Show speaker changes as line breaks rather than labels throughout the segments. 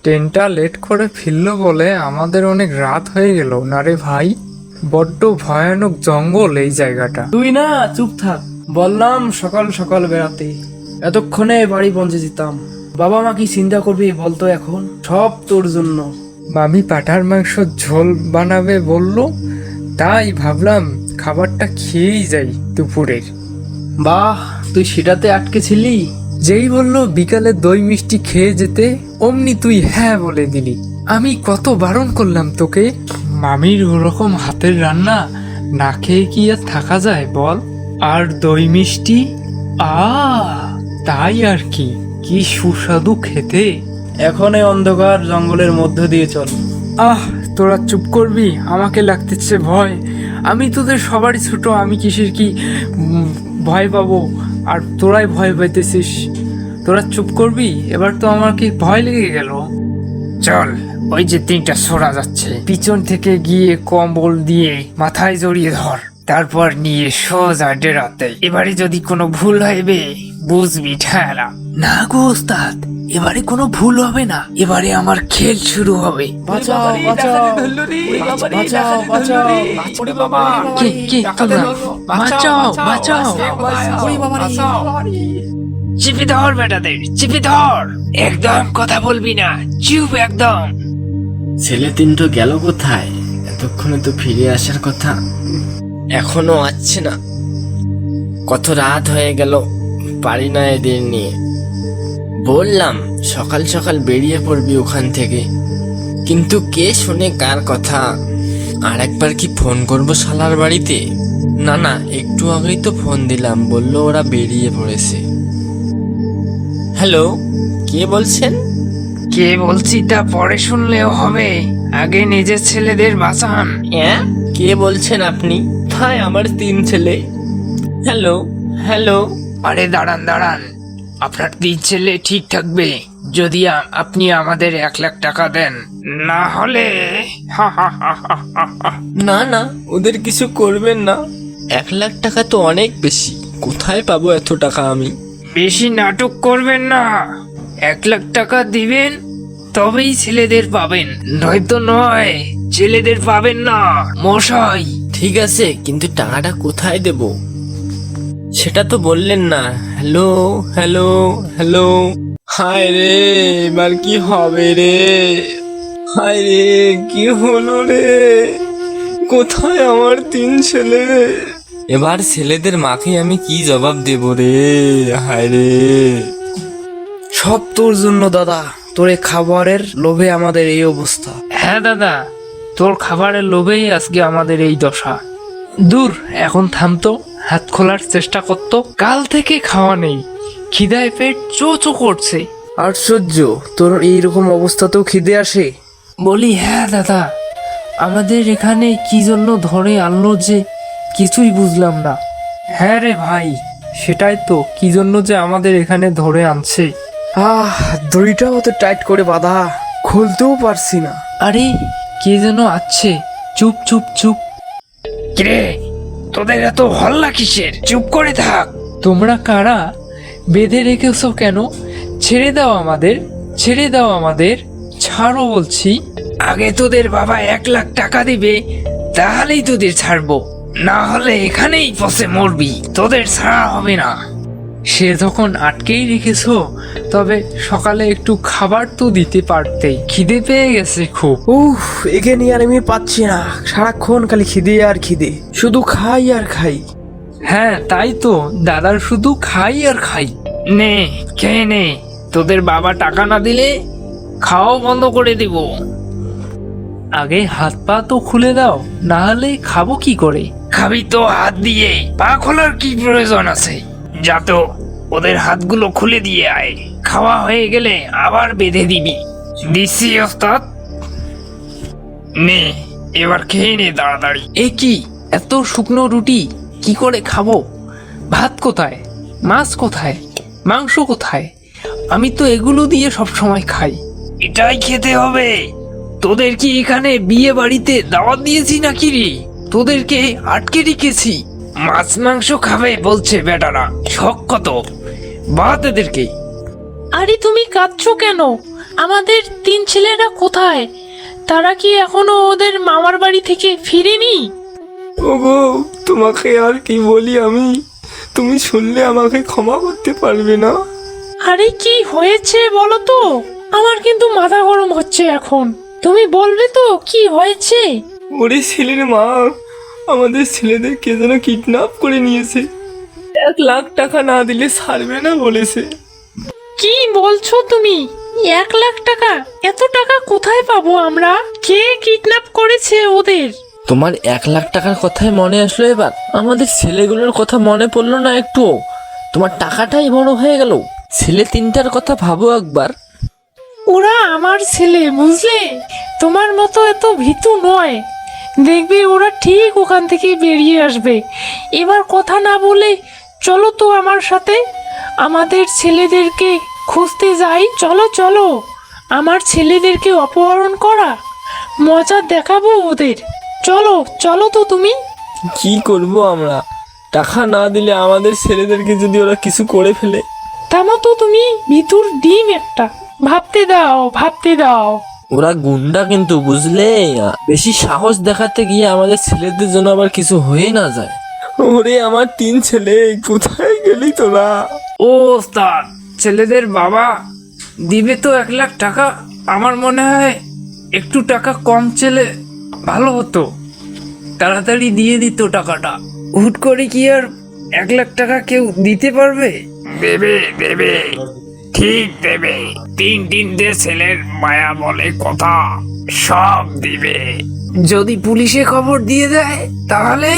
ট্রেনটা লেট করে ফিরলো বলে আমাদের অনেক রাত হয়ে গেল না রে ভাই। বড্ড ভয়ানক জঙ্গল এই জায়গাটা।
তুই না চুপ থাক, বললাম সকাল সকাল বেড়াতে, এতক্ষণে বাড়ি পৌঁছে যেতাম। বাবা মা কি চিন্তা করবি বলতো, এখন সব তোর জন্য।
মামি পাঠার মাংস ঝোল বানাবে বললো, তাই ভাবলাম খাবারটা খেয়েই যাই দুপুরের।
বাহ, তুই সেটাতে আটকে ছিলি?
যেই বললো বিকালে দই মিষ্টি খেয়ে যেতে, অমনি তুই হ্যাঁ বলে দিলি। আমি কত বারণ করলাম তোকে। মামির ওরকম হাতের রান্না না খেয়ে কি আর থাকা যায় বল? আর দই মিষ্টি, তাই আর কি, কি সুস্বাদু খেতে।
এখন এই অন্ধকার জঙ্গলের মধ্য দিয়ে চল।
তোরা চুপ করবি, আমাকে লাগতেছে ভয়। আমি তোদের সবারই ছোট, আমি কিসের কি ভয় পাবো, আর তোরাই ভয় পাইতেছিস। তোরা চুপ করবি, এবার তো আমার কি ভয় লেগে গেল। চল, ওই যে তিনটা সরা যাচ্ছে, পিছন থেকে গিয়ে কম্বল দিয়ে মাথায় জড়িয়ে ধর, তারপর নিয়ে সোজা ডেরাতে। এবারে যদি কোনো ভুল হইবে বুঝবি ঠেলা। না গো ওস্তাদ, এবারে কোনো ভুল হবে না, এবারে আমার খেল শুরু হবে।
বাঁচাও বাঁচাও বাঁচাও বাঁচাও।
কে তোমরা? বাঁচাও বাঁচাও। চিপে ধর বেটাদের, চিপে ধর। একদম কথা বলবি না, চুপ একদম।
ছেলে তিনটো গেল কোথায়? এতক্ষণে তো ফিরে আসার কথা, এখনো আসছে না। কত রাত হয়ে গেল, পারি না এদের নিয়ে। বললাম সকাল সকাল বেরিয়ে পড়বি ওখান থেকে, কিন্তু কে শোনে কার কথা। আর একবার কি ফোন করবো শালার বাড়িতে? না, একটু আগেই তো ফোন দিলাম, বললো ওরা বেরিয়ে পড়েছে। হ্যালো, কে বলছেন?
কে বলছি তা পরে শুনলেও হবে, আগে নিজের ছেলেদের বাঁচান।
হ্যাঁ, কে বলছেন আপনি? ভাই আমার 3 ছেলে। Hello hello.
আরে দাঁড়ান দাঁড়ান, আপনার 3 ছেলে ঠিক থাকবে যদি আপনি আমাদের 1 লাখ টাকা দেন, না হলে
না, ওদের কিছু করবেন না। 1 লাখ টাকা তো অনেক বেশি, কোথায় পাবো এত টাকা আমি?
বেশি নাটক করবেন না, 1 লাখ টাকা দিবেন তবেই ছেলেদের পাবেন, নয়তো নয়, ছেলেদের পাবেন না মশাই।
ঠিক আছে, কিন্তু টাকাটা কোথায় দেব সেটা তো বললেন না। Hello hello hello. হায় রে, এবার কি হবে রে? হায় রে, কি হলো রে? কোথায় আমার 3 ছেলে? এবার ছেলেদের মাকে আমি কি জবাব দেব রে? হায় রে।
সব তোর জন্য দাদা, তোর এই খাবারের লোভে আমাদের এই অবস্থা।
হ্যাঁ দাদা, তোর খাবারের লোভেই আজকে আমাদের এই দশা। দূর, এখন থামতো, হাত খোলার চেষ্টা করতো। কাল থেকে খাওয়া নেই, খিদায় পেট চো চো করছে।
আশ্চর্য, তোর এইরকম অবস্থাতেও খিদে আসে?
বলি হ্যাঁ দাদা, আমাদের এখানে কি জন্য ধরে আনলো যে কিছুই বুঝলাম না। হ্যাঁ রে ভাই, সেটাই তো, কি জন্য যে আমাদের এখানে ধরে আনছে।
দড়িটাও তো টাইট করে বাঁধা, খুলতেও পারছি না।
আরে কে যেন আছে, চুপ চুপ চুপ। কিরে, তোদের এত হল্লা কিসের? চুপ করে থাক। তোমরা কারা? বেঁধে রেখেছো কেন? ছেড়ে দাও আমাদের, ছেড়ে দাও আমাদের, ছাড়ো বলছি। আগে তোদের বাবা 1 লাখ টাকা দিবে, তাহলেই তোদের ছাড়বো, না হলে এখানেই পচে মরবি, তোদের ছাড়া হবে না। সে যখন আটকেই রেখেছো, তবে সকালে একটু খাবার তো দিতে পারতে, খিদে পেয়ে গেছে খুব।
একে নিয়ে আর আমি পাচ্ছি না, সারাক্ষণ খালি খিদে আর খিদে, শুধু খাই আর খাই।
হ্যাঁ তাই তো, দাদার শুধু খাই আর খাই। নে খেয়ে নে, তোদের বাবা টাকা না দিলে খাওয়া বন্ধ করে দিব। আগে হাত পা তো খুলে দাও, না হলে খাবো কি করে? খাবি তো হাত দিয়ে, পা খোলার কি প্রয়োজন আছে? যা তো, ওদের হাতগুলো খুলে দিয়ে আয়, খাওয়া হয়ে গেলে আবার বেঁধে দিবি। দিছি ওস্তাদ। নে এবার খেয়ে নে তাড়াতাড়ি। এ কি, এত শুকনো রুটি কি করে খাবো? ভাত কোথায়? মাছ কোথায়? মাংস কোথায়? আমি তো এগুলো দিয়ে সব সময় খাই। এটাই খেতে হবে? তোদের কি এখানে বিয়ে বাড়িতে দাওয়াত দিয়েছি নাকি রে? তোদেরকে আটকে রেখেছি, মাছ মাংস খাবে বলছে বেটারা, শখ কত, বাদ এদেরকে।
আরে তুমি কাঁদছো কেন? আমাদের তিন ছেলেরা কোথায়? তারা কি এখনো ওদের মামার বাড়ি থেকে ফিরেনি?
ওগো, তোমাকে আর কি বলি আমি? তুমি শুনলে আমাকে ক্ষমা করতে পারবে না?
আরে কি হয়েছে বলো তো? আমার কিন্তু মাথা গরম হচ্ছে এখন। তুমি বলবে তো কি হয়েছে?
ওরে ছেলের মা, আমাদের ছেলেদের কে যেন কিডন্যাপ করে নিয়েছে। 1 লাখ টাকা না দিলে ছাড়বে না বলেছে।
কি বলছো তুমি? 1 লাখ টাকা? এত টাকা কোথায় পাবো আমরা? কে কিডন্যাপ করেছে ওদের?
তোমার 1 লাখ টাকার কথাই মনে আসলো এবার? আমাদের ছেলেগুলোর কথা মনে পড়লো না একটু? তোমার টাকাটাই বড় হয়ে গেল। ছেলে তিনটার কথা ভাবো একবার।
ওরা আমার ছেলে, বুঝলে? তোমার মতো এত ভীতু নয়। দেখবে ওরা ঠিক ওখান থেকে বেরিয়ে আসবে। এবার কথা না বলে চলো তো আমার সাথে, আমাদের ছেলেদেরকে খুঁজতে যাই। চলো চলো, আমার ছেলেদেরকে অপহরণ করা মজা দেখাবো ওদের। চলো চলো তো তুমি।
কি করব আমরা? টাকা না দিলে আমাদের ছেলেদেরকে যদি ওরা কিছু করে ফেলে?
থামো তো তুমি, ভিতুর ডিম একটা। ভাবতে দাও, ভাবতে দাও।
ওরা গুন্ডা কিন্তু, বুঝলে? বেশি সাহস দেখাতে গিয়ে আমাদের ছেলেদের জন্য আবার কিছু হয়ে না যায়।
ওরে আমার 3 ছেলে, কোথায় গেলি তোরা?
ও ওস্তাদ, ছেলেদের বাবা দিবে তো 1 লাখ টাকা। আমার মনে হয় একটু টাকা কম চেলে ভালো হতো, তাড়াতাড়ি দিয়ে দিত টাকাটা। হুট করে কি আর 1 লাখ টাকা কেউ দিতে পারবে? দেবে দেবে, ঠিক দেবে। তিনটে ছেলের মায়া বলে কথা, সব দিবে। যদি পুলিশে খবর দিয়ে দেয় তাহলে?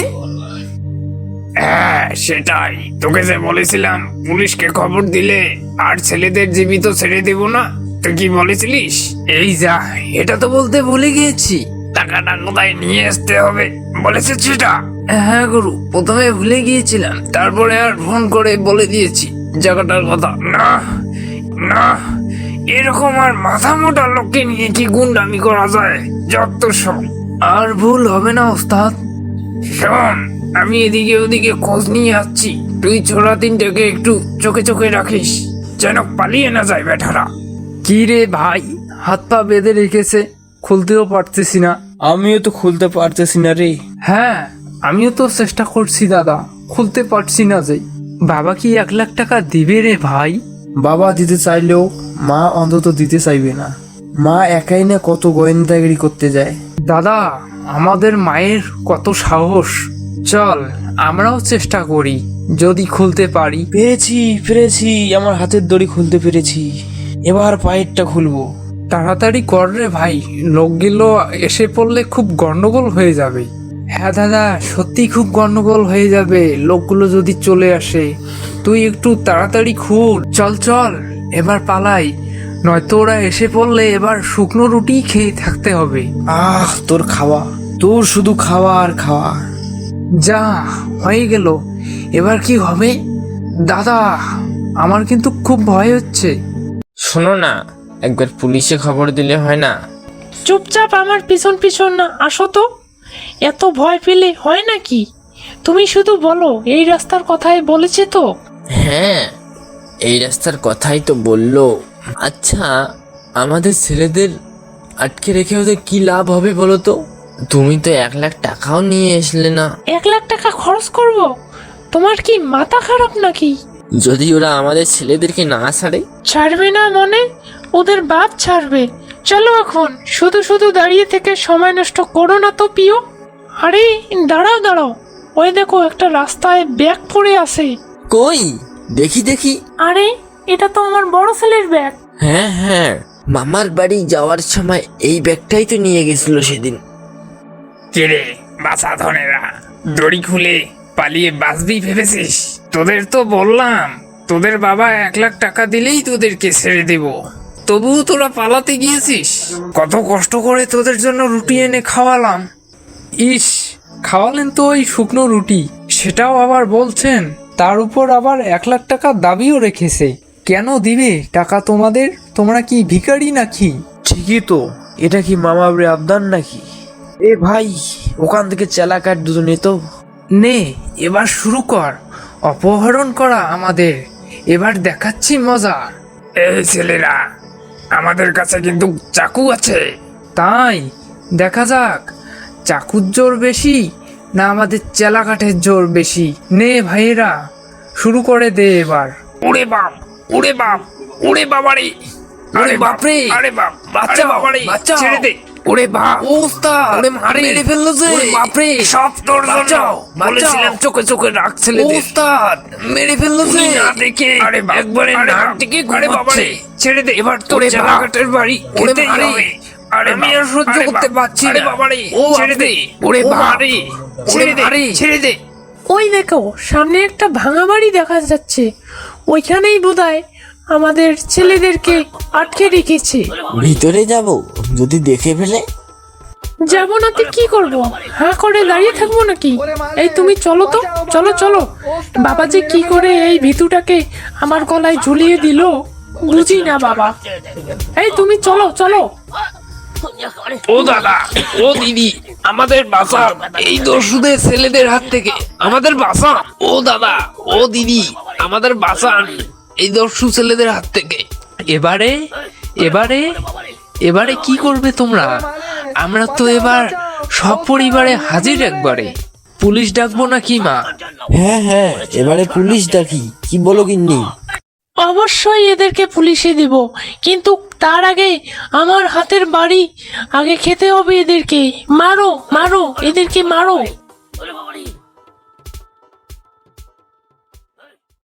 হ্যাঁ সেটাই, তোকে যে বলেছিলাম পুলিশকে খবর দিলে আর ছেলেদের জীবিত ছেড়ে দেব না, তুই কি বলেছিলিস? এই যা, এটা তো বলতে ভুলে গিয়েছি। টাকাটা কোথায় নিয়ে আসতে হবে বলেছে সেটা? হ্যাঁ গুরু, প্রথমে ভুলে গিয়েছিলাম, তারপরে আর ফোন করে বলে দিয়েছি জায়গাটার কথা। না না, এরকম আর মাথা মোটা লোককে নিয়ে কি গুন্ডামি করা যায়? যত সব। আর ভুল হবে না ওস্তাদ। শোন, আমি এদিকে ওদিকে খোঁজ নিয়ে আসছি, তুই ছোড়া তিনটাকে একটু চোখে চোখে রাখিস, যেন পালিয়ে না যায় বেটারা। কি রে ভাই, হাত পা বেঁধে রেখেছে, খুলতেও পারতেছি না।
আমিও তো খুলতে পারতেছি না রে।
হ্যাঁ, আমিও তো চেষ্টা করছি দাদা, খুলতে পারছি না যে। বাবা কি 1 লাখ টাকা দিবে রে ভাই?
বাবা দিতে চাইলেও মা অন্তত দিতে চাইবে না। মা একাই না কত গোয়েন্দাগিরি করতে যায়।
দাদা, আমাদের মায়ের কত সাহস। চল আমরাও চেষ্টা করি, যদি খুলতে পারি।
পেরেছি, আমার হাতের দড়ি খুলতে পেরেছি। এবার পায়েরটা খুলবো।
তাড়াতাড়ি কর রে ভাই, লোকগুলো এসে পড়লে খুব গন্ডগোল হয়ে যাবে। হ্যাঁ দাদা, সত্যি খুব গন্ডগোল হয়ে যাবে লোকগুলো যদি চলে আসে। তুই একটু তাড়াতাড়ি খুল। চল চল, এবার পালাই, নয়তো ওরা এসে পড়লে এবার শুকনো রুটি খেয়ে থাকতে হবে।
তোর শুধু খাওয়া আর খাওয়া।
যা হয়ে গেল, এবার কি হবে? দাদা, আমার কিন্তু খুব ভয় হচ্ছে।
শোনো না, একবার পুলিশে খবর দিলে হয় না?
চুপচাপ আমার পিছন পিছন না আসো তো। এত ভয় পেলে হয় নাকি? তুমি শুধু বলো এই রাস্তার কথাই বলেছে তো?
হ্যাঁ, এই রাস্তার কথাই তো বললো। আচ্ছা, আমাদের ছেলেদের আটকে রেখে ওদের কি লাভ হবে বলো তো? তুমি তো 1 লাখ টাকাও নিয়ে আসলে না।
1 লাখ টাকা খরচ করব? তোমার কি মাথা খারাপ নাকি?
যদি ওরা আমাদের ছেলেদেরকে না ছাড়ে?
ছাড়বে না মনে? ওদের বাপ ছাড়বে। চলো এখন, শুধু শুধু দাঁড়িয়ে থেকে সময় নষ্ট করো না তো প্রিয়। আরে দাঁড়াও দাঁড়াও, ওই দেখো একটা রাস্তায় ব্যাগ পড়ে আছে।
কই দেখি দেখি।
আরে এটা তো আমার বড় ছেলের ব্যাগ।
হ্যাঁ হ্যাঁ, মামার বাড়ি যাওয়ার সময় এই ব্যাগটাই তো নিয়ে গেছিল সেদিন।
কিরে বাছা ধনেরা, দড়ি খুলে পালিয়ে বাঁচবি ভেবেছিস? তোদের তো বললাম তোদের বাবা 1 লাখ টাকা দিলেই তোদেরকে ছেড়ে দেব, তবুও তোরা পালাতে গিয়েছিস। কত কষ্ট করে তোদের জন্য রুটি এনে খাওয়ালাম। ইস, খাওয়ালেন তো ওই শুকনো রুটি, সেটাও আবার বলছেন। তার উপর আবার 1 লাখ টাকা দাবিও রেখেছে। কেন দিবে টাকা তোমাদের? তোমরা কি ভিখারি নাকি?
ঠিকই তো, এটা কি মামা বাড়ি আবদার নাকি? এ ভাই, ওখান থেকে চেলা কাট দুজনে তো।
নে এবার শুরু কর অপহরণ করা আমাদের, এবার দেখাচ্ছি মজা। এই ছেলেরা, আমাদের কাছে কিন্তু চাকু আছে।
তাই দেখা যাক চাকুর জোর বেশি না আমাদের চেলাকাঠের জোর বেশি। নে ভাইয়েরা, শুরু করে দে এবার।
ওরে বাপ, ওরে বাপ, ওরে বাবারে,
ওরে বাপরে,
আরে বাপ,
বাচ্চা
আরে বাবারে,
বাচ্চা
ছেড়ে দে। ওরে বাপ,
ও ওস্তাদ,
ওরে মারে,
মেরে ফেললো যে।
ওরে বাপরে, সব তোর জন্য।
বাঁচাও,
বলেছিলাম চোখে চোখে রাখ
ও
ছেলেদের।
ওস্তাদ, মেরে ফেললো যে।
তুই না দেখে
আরে বাপ,
একবারে
আরে
নাক
বাপ,
থেকে
আরে
ঘুমাচ্ছে।
বাবারে,
ছেড়ে দে এবার তোর
ওরে বাপ,
চেলাকাটের বাড়ি
ওরে
খেতেই
মারে,
হবে। আরে
আমি
বাপ,
আর সহ্য
আরে
করতে
বাপ,
পারছি
আরে
না।
বাবারে,
ও
ছেড়ে দে।
বাপরে,
ওরে
ও
বাবারে,
বাপ,
ছেড়ে দে,
ওরে
ছেড়ে দে।
ওই দেখো সামনে একটা ভাঙা বাড়ি দেখা যাচ্ছে, ওইখানেই বোধহয় আমাদের ছেলেদেরকে আটকে রেখেছে।
ভিতরে যাব যদি দেখে ফেলে?
যাবো না তো কি করবো, হাঁ করে দাঁড়িয়ে থাকবো নাকি? এই তুমি চলো তো, চলো চলো। বাবা যে কি করে এই ভিতুটাকে আমার গলায় ঝুলিয়ে দিল বুঝি না বাবা। এই তুমি চলো চলো।
ও দাদা, ও দিদি, আমাদের বাঁচা এই দস্যুদের ছেলেদের হাত থেকে, আমাদের বাঁচা। ও দাদা, ও দিদি, আমাদের বাঁচান এই দস্যু ছেলেদের হাত থেকে।
এবারে এবারে এবারে কি করবে তোমরা? আমরা তো এবার সব পরিবারে হাজির একবারে। পুলিশ ডাকবো না কি মা?
হ্যাঁ হ্যাঁ, এবারে পুলিশ ডাকি, কি বলো গিন্নি?
অবশ্যই এদেরকে পুলিশে দেব, কিন্তু তার আগে আমার হাতের বাড়ি আগে খেতে হবে এদেরকে। মারো মারো, এদেরকে মারো।